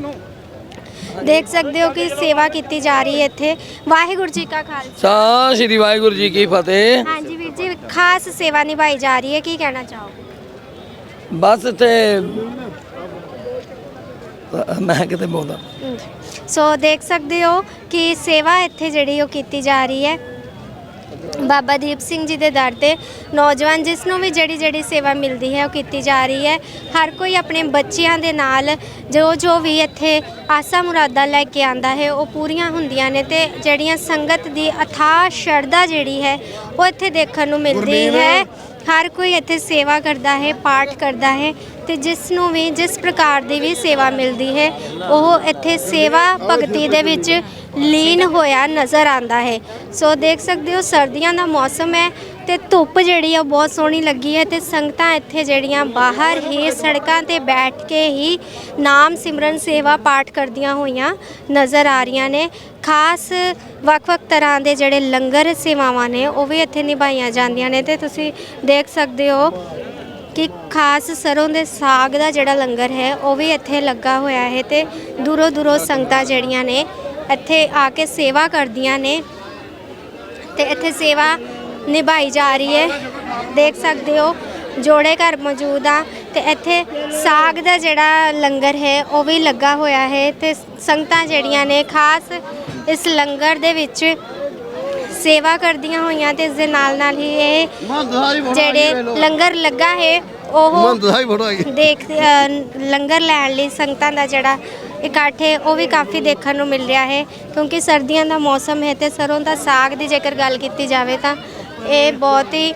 Speaker 1: ਦੇਖ ਸਕਦੇ ਹੋ ਕਿ ਸੇਵਾ ਕੀਤੀ ਜਾ ਰਹੀ ਹੈ ਇੱਥੇ। ਵਾਹਿਗੁਰੂ ਜੀ ਕਾ ਖਾਲਸਾ,
Speaker 8: ਸ੍ਰੀ ਵਾਹਿਗੁਰੂ ਜੀ ਕੀ ਫਤਿਹ।
Speaker 1: ਹਾਂਜੀ ਵੀਰ ਜੀ, ਖਾਸ ਸੇਵਾ ਨਿਭਾਈ ਜਾ ਰਹੀ ਹੈ, ਕੀ ਕਹਿਣਾ ਚਾਹੋਗੇ?
Speaker 8: ਬਸ ਇੱਥੇ ਮੈਂ ਕਿਤੇ ਬੋਲਦਾ।
Speaker 1: ਸੋ ਦੇਖ ਸਕਦੇ ਹੋ ਕਿ ਸੇਵਾ ਇੱਥੇ ਜਿਹੜੀ ਉਹ ਕੀਤੀ ਜਾ ਰਹੀ ਹੈ ਬਾਬਾ ਦੀਪ ਸਿੰਘ ਜੀ ਦੇ ਦਰ ਤੇ। ਨੌਜਵਾਨ ਜਿਸ ਨੂੰ ਵੀ ਜਿਹੜੀ ਜਿਹੜੀ ਸੇਵਾ ਮਿਲਦੀ ਹੈ ਉਹ ਕੀਤੀ ਜਾ ਰਹੀ ਹੈ। ਹਰ ਕੋਈ ਆਪਣੇ ਬੱਚਿਆਂ ਦੇ ਨਾਲ ਜੋ ਜੋ ਵੀ ਇੱਥੇ ਆਸਾ ਮੁਰਾਦਾਂ ਲੈ ਕੇ ਆਂਦਾ ਹੈ ਉਹ ਪੂਰੀਆਂ ਹੁੰਦੀਆਂ ਨੇ ਤੇ ਜਿਹੜੀਆਂ ਸੰਗਤ ਦੀ ਅਥਾਹ ਸ਼ਰਧਾ ਜਿਹੜੀ ਹੈ ਉਹ ਇੱਥੇ ਦੇਖਣ ਨੂੰ ਮਿਲਦੀ ਹੈ। ਹਰ ਕੋਈ ਇੱਥੇ ਸੇਵਾ ਕਰਦਾ ਹੈ, ਪਾਠ ਕਰਦਾ ਹੈ ਤੇ ਜਿਸ ਨੂੰ ਵੀ ਜਿਸ ਪ੍ਰਕਾਰ ਦੀ ਵੀ ਸੇਵਾ ਮਿਲਦੀ ਹੈ ਉਹ ਇੱਥੇ ਸੇਵਾ ਭਗਤੀ ਦੇ ਵਿੱਚ ਲੀਨ ਹੋਇਆ ਨਜ਼ਰ ਆਂਦਾ ਹੈ। ਸੋ ਦੇਖ ਸਕਦੇ ਹੋ ਸਰਦੀਆਂ ਦਾ ਮੌਸਮ ਹੈ ਤੇ ਧੁੱਪ ਜਿਹੜੀ ਆ ਬਹੁਤ ਸੋਹਣੀ ਲੱਗੀ ਹੈ ਤੇ ਸੰਗਤਾਂ ਇੱਥੇ ਜਿਹੜੀਆਂ ਬਾਹਰ ਹੀ ਸੜਕਾਂ ਤੇ ਬੈਠ ਕੇ ਹੀ ਨਾਮ ਸਿਮਰਨ ਸੇਵਾ ਪਾਠ ਕਰਦੀਆਂ ਹੋਈਆਂ ਨਜ਼ਰ ਆ ਰਹੀਆਂ ਨੇ। ਖਾਸ ਵੱਖ-ਵੱਖ ਤਰ੍ਹਾਂ ਦੇ ਜਿਹੜੇ ਲੰਗਰ ਸੇਵਾਵਾਂ ਨੇ ਉਹ ਵੀ ਇੱਥੇ ਨਿਭਾਈਆਂ ਜਾਂਦੀਆਂ ਨੇ ਤੇ ਤੁਸੀਂ ਦੇਖ ਸਕਦੇ ਹੋ ਕਿ ਖਾਸ ਸਰੋਂ ਦੇ ਸਾਗ ਦਾ ਜਿਹੜਾ ਲੰਗਰ ਹੈ ਉਹ ਵੀ ਇੱਥੇ ਲੱਗਾ ਹੋਇਆ ਹੈ ਤੇ ਦੂਰੋਂ ਦੂਰੋਂ ਸੰਗਤਾਂ ਜਿਹੜੀਆਂ ਨੇ ਇੱਥੇ ਆ ਕੇ ਸੇਵਾ ਕਰਦੀਆਂ ਨੇ ਤੇ ਇੱਥੇ ਸੇਵਾ ਨਿਭਾਈ ਜਾ ਰਹੀ ਹੈ। ਦੇਖ ਸਕਦੇ ਹੋ ਜੋੜੇ ਘਰ ਮੌਜੂਦ ਆ ਤੇ ਇੱਥੇ ਸਾਗ ਦਾ ਜਿਹੜਾ ਲੰਗਰ ਹੈ ਉਹ ਵੀ ਲੱਗਾ ਹੋਇਆ ਹੈ ਤੇ ਸੰਗਤਾਂ ਜਿਹੜੀਆਂ ਨੇ ਖਾਸ ਇਸ ਲੰਗਰ ਦੇ ਵਿੱਚ ਸੇਵਾ ਕਰਦੀਆਂ ਹੋਈਆਂ ਤੇ ਇਸ ਦੇ ਨਾਲ ਨਾਲ ਹੀ ਇਹ ਜਿਹੜੇ ਲੰਗਰ ਲੱਗਾ ਹੈ ਉਹ ਦੇਖ ਅ, ਲੰਗਰ ਲੈਣ ਲਈ ਸੰਗਤਾਂ ਦਾ ਜਿਹੜਾ ਇਕੱਠ ਹੈ ਉਹ ਵੀ ਕਾਫੀ ਦੇਖਣ ਨੂੰ ਮਿਲ ਰਿਹਾ ਹੈ ਕਿਉਂਕਿ ਸਰਦੀਆਂ ਦਾ ਮੌਸਮ ਹੈ ਤੇ ਸਰੋਂ ਦਾ ਸਾਗ ਦੀ ਜੇਕਰ ਗੱਲ ਕੀਤੀ ਜਾਵੇ ਤਾਂ ਇਹ ਬਹੁਤ ਹੀ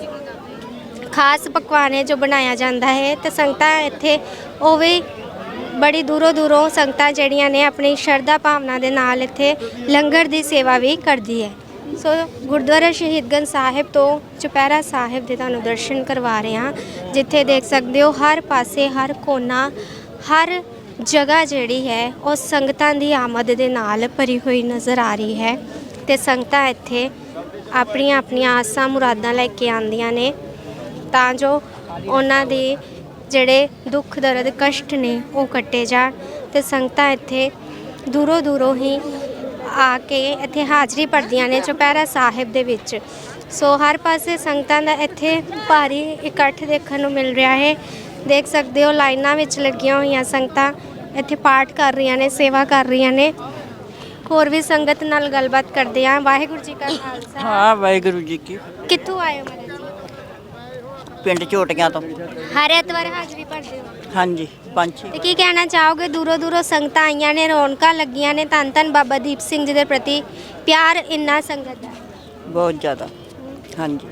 Speaker 1: ਖਾਸ ਪਕਵਾਨ ਹੈ ਜੋ ਬਣਾਇਆ ਜਾਂਦਾ ਹੈ ਤੇ ਸੰਗਤਾਂ ਇੱਥੇ ਉਹ ਵੀ ਬੜੀ ਦੂਰੋਂ ਦੂਰੋਂ ਸੰਗਤਾਂ ਜਿਹੜੀਆਂ ਨੇ ਆਪਣੀ ਸ਼ਰਧਾ ਭਾਵਨਾ ਦੇ ਨਾਲ ਇੱਥੇ ਲੰਗਰ ਦੀ ਸੇਵਾ ਵੀ ਕਰਦੀ ਹੈ। ਸੋ ਗੁਰਦੁਆਰਾ ਸ਼ਹੀਦਗੰਜ ਸਾਹਿਬ ਤੋਂ ਚੁਪਹਿਰਾ ਸਾਹਿਬ ਦੇ ਤੁਹਾਨੂੰ ਦਰਸ਼ਨ ਕਰਵਾ ਰਹੇ ਹਾਂ ਜਿੱਥੇ ਦੇਖ ਸਕਦੇ ਹੋ ਹਰ ਪਾਸੇ ਹਰ ਕੋਨਾ ਹਰ ਜਗ੍ਹਾ ਜਿਹੜੀ ਹੈ ਉਹ ਸੰਗਤਾਂ ਦੀ ਆਮਦ ਦੇ ਨਾਲ ਭਰੀ ਹੋਈ ਨਜ਼ਰ ਆ ਰਹੀ ਹੈ ਤੇ ਸੰਗਤਾਂ ਇੱਥੇ ਆਪਣੀਆਂ ਆਪਣੀਆਂ ਆਸਾਂ ਮੁਰਾਦਾਂ ਲੈ ਕੇ ਆਉਂਦੀਆਂ ਨੇ ਤਾਂ ਜੋ ਉਹਨਾਂ ਦੇ ਜਿਹੜੇ ਦੁੱਖ ਦਰਦ ਕਸ਼ਟ ਨੇ ਉਹ ਕੱਟੇ ਜਾਣ ਤੇ ਸੰਗਤਾਂ ਇੱਥੇ ਦੂਰੋਂ ਦੂਰੋਂ ਹੀ ਆ ਕੇ ਇੱਥੇ ਹਾਜ਼ਰੀ ਭਰਦੀਆਂ ਨੇ ਚੁਪਹਿਰਾ ਸਾਹਿਬ ਦੇ ਵਿੱਚ। ਸੋ ਹਰ ਪਾਸੇ ਸੰਗਤਾਂ ਦਾ ਇੱਥੇ ਭਾਰੀ ਇਕੱਠ ਦੇਖਣ ਨੂੰ ਮਿਲ ਰਿਹਾ ਹੈ। ਦੇਖ ਸਕਦੇ ਹੋ ਲਾਈਨਾਂ ਵਿੱਚ ਲੱਗੀਆਂ ਹੋਈਆਂ ਸੰਗਤਾਂ ਇੱਥੇ ਪਾਠ ਕਰ ਰਹੀਆਂ ਨੇ, ਸੇਵਾ ਕਰ ਰਹੀਆਂ ਨੇ। ਹੋਰ ਵੀ ਸੰਗਤ ਨਾਲ ਗੱਲਬਾਤ ਕਰਦੇ ਹਾਂ। ਵਾਹਿਗੁਰੂ ਜੀ ਕਾ ਖਾਲਸਾ।
Speaker 9: ਹਾਂ ਵਾਹਿਗੁਰੂ ਜੀ ਕੀ।
Speaker 1: ਕਿੱਥੋਂ ਆਏ ਹੋ ਮਹਾਰਾਜ ਜੀ?
Speaker 9: ਪਿੰਡ ਝੋਟੀਆਂ ਤੋਂ।
Speaker 1: ਹਰ ਐਤਵਾਰ ਹਾਜ਼ਰੀ ਭਰਦੇ ਹੋ?
Speaker 9: ਹਾਂਜੀ ਪੰਜ ਛੇ।
Speaker 1: ਤੇ ਕੀ ਕਹਿਣਾ ਚਾਹੋਗੇ ਦੂਰੋਂ ਦੂਰੋਂ ਸੰਗਤਾਂ ਆਈਆਂ ਨੇ, ਰੌਣਕਾਂ ਲੱਗੀਆਂ ਨੇ, ਧੰਨ ਧੰਨ ਬਾਬਾ ਦੀਪ ਸਿੰਘ ਜੀ ਦੇ ਪ੍ਰਤੀ ਪਿਆਰ ਇੰਨਾ ਸੰਗਤ ਦਾ?
Speaker 9: ਬਹੁਤ ਜ਼ਿਆਦਾ। ਹਾਂਜੀ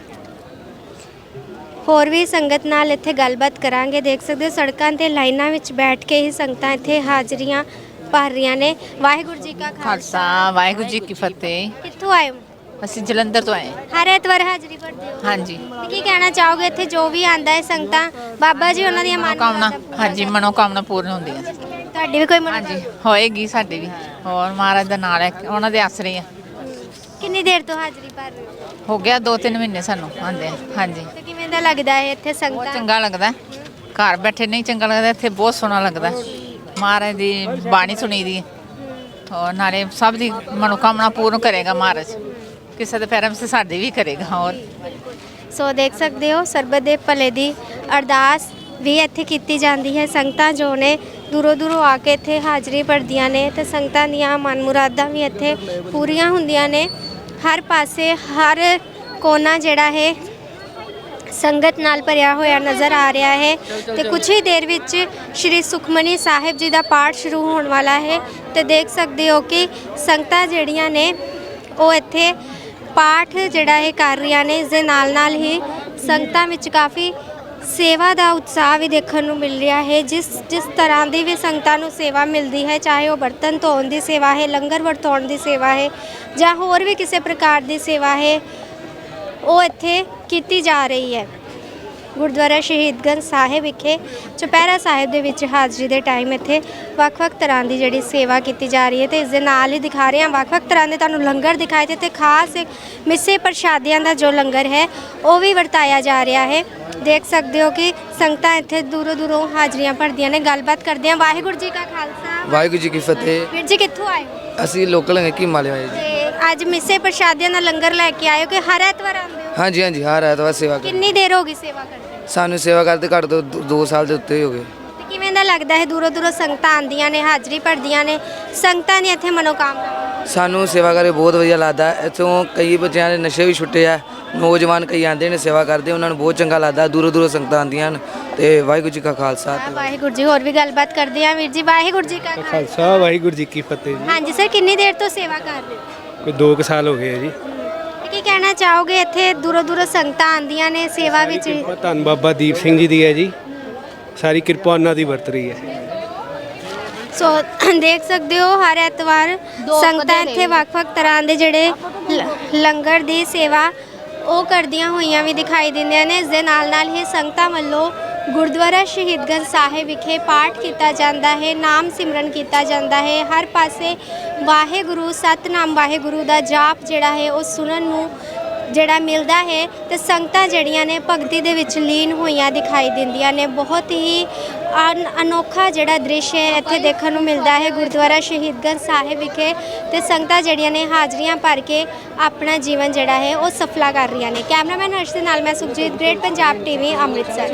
Speaker 1: ਹੋਰ ਵੀ ਸੰਗਤ ਨਾਲ ਇੱਥੇ ਗੱਲਬਾਤ ਕਰਾਂਗੇ। ਦੇਖ ਸਕਦੇ ਹੋ ਸੜਕਾਂ ਤੇ ਲਾਈਨਾਂ ਵਿੱਚ ਬੈਠ ਕੇ ਹੀ ਸੰਗਤਾਂ ਇੱਥੇ ਹਾਜ਼ਰੀਆਂ ਭਰ ਰਹੀਆਂ ਨੇ। ਵਾਹਿਗੁਰੂ ਜੀ ਕਾ
Speaker 10: ਖਾਲਸਾ ਵਾਹਿਗੁਰੂ ਜੀ ਕੀ ਫਤਿਹ।
Speaker 1: ਕਿੱਥੋਂ ਆਏ ਹੋ?
Speaker 10: ਅਸੀਂ ਜਲੰਧਰ ਤੋਂ ਆਏ।
Speaker 1: ਹਰ ਐਤਵਾਰ ਹਾਜ਼ਰੀ ਭਰਦੇ ਹੋ?
Speaker 10: ਹਾਂਜੀ।
Speaker 1: ਤੇ ਕੀ ਕਹਿਣਾ ਚਾਹੋਗੇ ਇੱਥੇ ਜੋ ਵੀ ਆਂਦਾ ਹੈ ਸੰਗਤਾਂ ਬਾਬਾ ਜੀ ਉਹਨਾਂ ਦੀਆਂ
Speaker 10: ਮਨੋਕਾਮਨਾ
Speaker 1: ਮਨੋਕਾਮਨਾ
Speaker 10: ਹਾਂਜੀ ਮਨੋਕਾਮਨਾ ਪੂਰਨ ਹੁੰਦੀਆਂ।
Speaker 1: ਤੁਹਾਡੀ ਵੀ ਕੋਈ ਮਨੋਕਾਮਨਾ?
Speaker 10: ਹਾਂਜੀ ਹੋਏਗੀ ਸਾਡੀ ਵੀ। ਹੋਰ ਮਹਾਰਾਜ ਦਾ ਨਾਲ ਹੈ ਉਹਨਾਂ ਦੇ ਆਸਰੇ ਆ।
Speaker 1: ਕਿੰਨੀ ਦੇਰ ਤੋਂ ਹਾਜ਼ਰੀ ਭਰ ਰਹੇ ਹੋ?
Speaker 10: ਹੋ ਗਿਆ ਦੋ ਤਿੰਨ ਮਹੀਨੇ ਸਾਨੂੰ ਆਂਦੇ। ਹਾਂਜੀ
Speaker 1: ਤੇ ਕਿਵੇਂ ਦਾ ਲੱਗਦਾ ਹੈ ਇੱਥੇ
Speaker 10: ਬਹੁਤ
Speaker 1: ਸੰਗਤਾਂ?
Speaker 10: ਚੰਗਾ ਲੱਗਦਾ। ਘਰ ਬੈਠੇ ਨਹੀਂ ਚੰਗਾ ਲੱਗਦਾ, ਇੱਥੇ ਬਹੁਤ ਸੋਹਣਾ ਲੱਗਦਾ। ਮਹਾਰਾਜ ਦੀ ਬਾਣੀ ਸੁਣੀ ਦੀ ਹੋਰ ਨਾਲੇ ਸਭ ਦੀ ਮਨੋਕਾਮਨਾ ਪੂਰਨ ਕਰੇਗਾ ਮਹਾਰਾਜ। ਕਿਸੇ ਦੇ ਪੈਰਾਂ ਵਿੱਚ ਸਾਡੀ ਵੀ ਕਰੇਗਾ। ਹੋਰ
Speaker 1: ਸੋ ਦੇਖ ਸਕਦੇ ਹੋ ਸਰਬਤ ਦੇ ਭਲੇ ਦੀ ਅਰਦਾਸ ਵੀ ਇੱਥੇ ਕੀਤੀ ਜਾਂਦੀ ਹੈ। ਸੰਗਤਾਂ ਜੋ ਨੇ ਦੂਰੋਂ ਦੂਰੋਂ ਆ ਕੇ ਇੱਥੇ ਹਾਜ਼ਰੀ ਭਰਦੀਆਂ ਨੇ ਤੇ ਸੰਗਤਾਂ ਦੀਆਂ ਮਨ ਮੁਰਾਦਾਂ ਵੀ ਇੱਥੇ ਪੂਰੀਆਂ ਹੁੰਦੀਆਂ ਨੇ। ਹਰ ਪਾਸੇ ਹਰ ਕੋਨਾ ਜਿਹੜਾ ਹੈ ਸੰਗਤ ਨਾਲ ਭਰਿਆ ਹੋਇਆ ਨਜ਼ਰ ਆ ਰਿਹਾ ਹੈ ਤੇ ਕੁਝ ਹੀ ਦੇਰ ਵਿੱਚ ਸ਼੍ਰੀ ਸੁਖਮਨੀ ਸਾਹਿਬ ਜੀ ਦਾ ਪਾਠ ਸ਼ੁਰੂ ਹੋਣ ਵਾਲਾ ਹੈ ਤੇ ਦੇਖ ਸਕਦੇ ਹੋ ਕਿ ਸੰਗਤਾਂ ਜਿਹੜੀਆਂ ਨੇ ਉਹ ਇੱਥੇ ਪਾਠ ਜਿਹੜਾ ਇਹ ਕਰ ਰਹੀਆਂ ਨੇ। ਇਸ ਦੇ ਨਾਲ ਨਾਲ ਹੀ ਸੰਗਤਾਂ ਵਿੱਚ ਕਾਫੀ ਸੇਵਾ ਦਾ ਉਤਸ਼ਾਹ ਵੀ ਦੇਖਣ ਨੂੰ ਮਿਲ ਰਿਹਾ ਹੈ। ਜਿਸ ਜਿਸ ਤਰ੍ਹਾਂ ਦੀ ਵੀ ਸੰਗਤਾਂ ਨੂੰ ਸੇਵਾ ਮਿਲਦੀ ਹੈ, ਚਾਹੇ ਉਹ ਬਰਤਨ ਧੋਣ ਦੀ ਸੇਵਾ ਹੈ, ਲੰਗਰ ਵਰਤਾਉਣ ਦੀ ਸੇਵਾ ਹੈ ਜਾਂ ਹੋਰ ਵੀ ਕਿਸੇ ਪ੍ਰਕਾਰ ਦੀ ਸੇਵਾ ਹੈ, ਉਹ ਇੱਥੇ ਕੀਤੀ ਜਾ ਰਹੀ ਹੈ। ਗੁਰਦੁਆਰਾ ਸ਼ਹੀਦਗੰਜ ਸਾਹਿਬ ਵਿਖੇ ਚੁਪਹਿਰਾ ਸਾਹਿਬ ਦੇ ਵਿੱਚ ਹਾਜ਼ਰੀ ਦੇ ਟਾਈਮ ਇੱਥੇ ਵੱਖ-ਵੱਖ ਤਰ੍ਹਾਂ ਦੀ ਜਿਹੜੀ ਸੇਵਾ ਕੀਤੀ ਜਾ ਰਹੀ ਹੈ ਤੇ ਇਸ ਦੇ ਨਾਲ ਹੀ ਦਿਖਾ ਰਹੇ ਹਾਂ ਵੱਖ-ਵੱਖ ਤਰ੍ਹਾਂ ਦੇ ਤੁਹਾਨੂੰ ਲੰਗਰ ਦਿਖਾਏ ਤੇ ਤੇ ਖਾਸ ਮਿੱਸੇ ਪ੍ਰਸ਼ਾਦਿਆਂ ਦਾ ਜੋ ਲੰਗਰ ਹੈ ਉਹ ਵੀ ਵਰਤਾਇਆ ਜਾ ਰਿਹਾ ਹੈ। ਦੇਖ ਸਕਦੇ ਹੋ ਕਿ ਸੰਗਤਾਂ ਇੱਥੇ ਦੂਰੋਂ ਦੂਰੋਂ ਹਾਜ਼ਰੀਆਂ ਭਰਦੀਆਂ ਨੇ। ਗੱਲਬਾਤ ਕਰਦੇ ਹਾਂ। ਵਾਹਿਗੁਰੂ ਜੀ ਕਾ ਖਾਲਸਾ
Speaker 11: ਵਾਹਿਗੁਰੂ ਜੀ ਕੀ ਫਤਿਹ।
Speaker 1: ਵੀਰ ਜੀ ਕਿੱਥੋਂ ਆਏ ਹੋ?
Speaker 11: ਅਸੀਂ ਲੋਕਲ ਹੈਗੇ ਕੀਮਾ ਵਾਲੇ ਜੀ।
Speaker 1: ਤੇ ਅੱਜ ਮਿੱਸੇ ਪ੍ਰਸ਼ਾਦਿਆਂ ਦਾ ਲੰਗਰ ਲੈ ਕੇ ਆਏ ਹੋ ਕਿ ਹਰ ਐਤਵਾਰ ਆਉਂਦੇ ਹੋ?
Speaker 11: ਹਾਂਜੀ ਹਾਂਜੀ ਹਰ ਐਤਵਾਰ ਸੇਵਾ ਕਰ।
Speaker 1: ਕਿੰਨੀ ਦੇਰ ਹੋ ਗਈ ਸੇਵਾ ਕਰਦੇ?
Speaker 11: ਸਾਨੂੰ ਸੇਵਾ ਕਰਦੇ ਘੱਟ ਤੋਂ ਦੋ ਸਾਲ ਦੇ ਉੱਤੇ ਹੀ ਹੋ ਗਏ।
Speaker 1: ਤੇ ਕਿਵੇਂ ਦਾ ਲੱਗਦਾ ਹੈ ਦੂਰੋਂ ਦੂਰੋਂ ਸੰਗਤਾਂ ਆਉਂਦੀਆਂ ਨੇ, ਹਾਜ਼ਰੀ ਭਰਦੀਆਂ ਨੇ, ਸੰਗਤਾਂ ਦੀ ਇੱਥੇ ਮਨੋਕਾਮਨਾ?
Speaker 11: ਸਾਨੂੰ ਸੇਵਾ ਕਰਕੇ ਬਹੁਤ ਵਧੀਆ ਲੱਗਦਾ। ਇੱਥੋਂ ਕਈ ਬੱਚਿਆਂ ਦੇ ਨਸ਼ੇ ਵੀ ਛੁੱਟੇ ਆ, ਨੌਜਵਾਨ ਕਈ ਆਉਂਦੇ ਨੇ ਸੇਵਾ ਕਰਦੇ, ਉਹਨਾਂ ਨੂੰ ਬਹੁਤ ਚੰਗਾ ਲੱਗਦਾ। ਦੂਰੋਂ ਦੂਰੋਂ ਸੰਗਤਾਂ ਆਉਂਦੀਆਂ ਹਨ ਤੇ ਵਾਹਿਗੁਰੂ ਜੀ ਕਾ ਖਾਲਸਾ ਤੇ
Speaker 1: ਵਾਹਿਗੁਰੂ ਜੀ। ਹੋਰ ਵੀ ਗੱਲਬਾਤ ਕਰਦੇ ਆ ਵੀਰ ਜੀ। ਵਾਹਿਗੁਰੂ ਜੀ ਕਾ ਖਾਲਸਾ।
Speaker 2: ਖਾਲਸਾ ਵਾਹਿਗੁਰੂ ਜੀ ਕੀ ਫਤਿਹ ਜੀ।
Speaker 1: ਹਾਂਜੀ ਸਰ, ਕਿੰਨੀ ਦੇਰ ਤੋਂ ਸੇਵਾ ਕਰ ਰਹੇ ਹੋ?
Speaker 2: ਕੋਈ ਦੋ ਕੁ ਸਾਲ ਹੋ ਗਏ ਆ ਜੀ।
Speaker 1: ਤੇ ਕੀ ਕਹਿਣਾ ਚਾਹੋਗੇ? ਇੱਥੇ ਦੂਰੋਂ ਦੂਰੋਂ ਸੰਗਤਾਂ ਆਉਂਦੀਆਂ ਨੇ ਸੇਵਾ ਵਿੱਚ।
Speaker 2: ਕਿਰਪਾ ਧੰਨ ਬਾਬਾ ਦੀਪ ਸਿੰਘ ਜੀ ਦੀ ਹੈ ਜੀ, ਸਾਰੀ ਕਿਰਪਾ ਉਹਨਾਂ ਦੀ ਵਰਤ ਰਹੀ ਹੈ।
Speaker 1: ਸੋ ਦੇਖ ਸਕਦੇ ਹੋ ਹਰ ਐਤਵਾਰ ਸੰਗਤਾਂ ਇੱਥੇ ਵੱਖ-ਵੱਖ ਤਰ੍ਹਾਂ ਦੇ ਜਿਹੜੇ ਲ- ਲੰਗਰ ਦੀ ਸੇਵਾ ਉਹ ਕਰਦੀਆਂ ਹੋਈਆਂ ਵੀ ਦਿਖਾਈ ਦਿੰਦੀਆਂ ਨੇ। ਇਸ ਦੇ ਨਾਲ ਨਾਲ ਹੀ ਸੰਗਤਾਂ ਵੱਲੋਂ ਗੁਰਦੁਆਰਾ ਸ਼ਹੀਦਗੰਜ ਸਾਹਿਬ ਵਿਖੇ ਪਾਠ ਕੀਤਾ ਜਾਂਦਾ ਹੈ, ਨਾਮ ਸਿਮਰਨ ਕੀਤਾ ਜਾਂਦਾ ਹੈ। ਹਰ ਪਾਸੇ ਵਾਹਿਗੁਰੂ ਸਤਨਾਮ ਵਾਹਿਗੁਰੂ ਦਾ ਜਾਪ ਜਿਹੜਾ ਹੈ ਉਹ ਸੁਣਨ ਨੂੰ ਜਿਹੜਾ ਮਿਲਦਾ ਹੈ ਤੇ ਸੰਗਤਾਂ ਜਿਹੜੀਆਂ ਨੇ ਭਗਤੀ ਦੇ ਵਿੱਚ ਲੀਨ ਹੋਈਆਂ ਦਿਖਾਈ ਦਿੰਦੀਆਂ ਨੇ। ਬਹੁਤ ਹੀ ਅਨ- ਅਨੋਖਾ ਜਿਹੜਾ ਦ੍ਰਿਸ਼ ਹੈ ਇੱਥੇ ਦੇਖਣ ਨੂੰ ਮਿਲਦਾ ਹੈ ਗੁਰਦੁਆਰਾ ਸ਼ਹੀਦਗੰਜ ਸਾਹਿਬ ਵਿਖੇ। ਤੇ ਸੰਗਤਾਂ ਜਿਹੜੀਆਂ ਨੇ ਹਾਜ਼ਰੀਆਂ ਭਰ ਕੇ ਆਪਣਾ ਜੀਵਨ ਜਿਹੜਾ ਹੈ ਉਹ ਸਫਲਾ ਕਰ ਰਹੀਆਂ ਨੇ। ਕੈਮਰਾਮੈਨ ਹਰਸ਼ ਦੇ ਨਾਲ ਮੈਂ ਸੁਖਜੀਤ, ਗ੍ਰੇਟ ਪੰਜਾਬ ਟੀਵੀ, ਅੰਮ੍ਰਿਤਸਰ।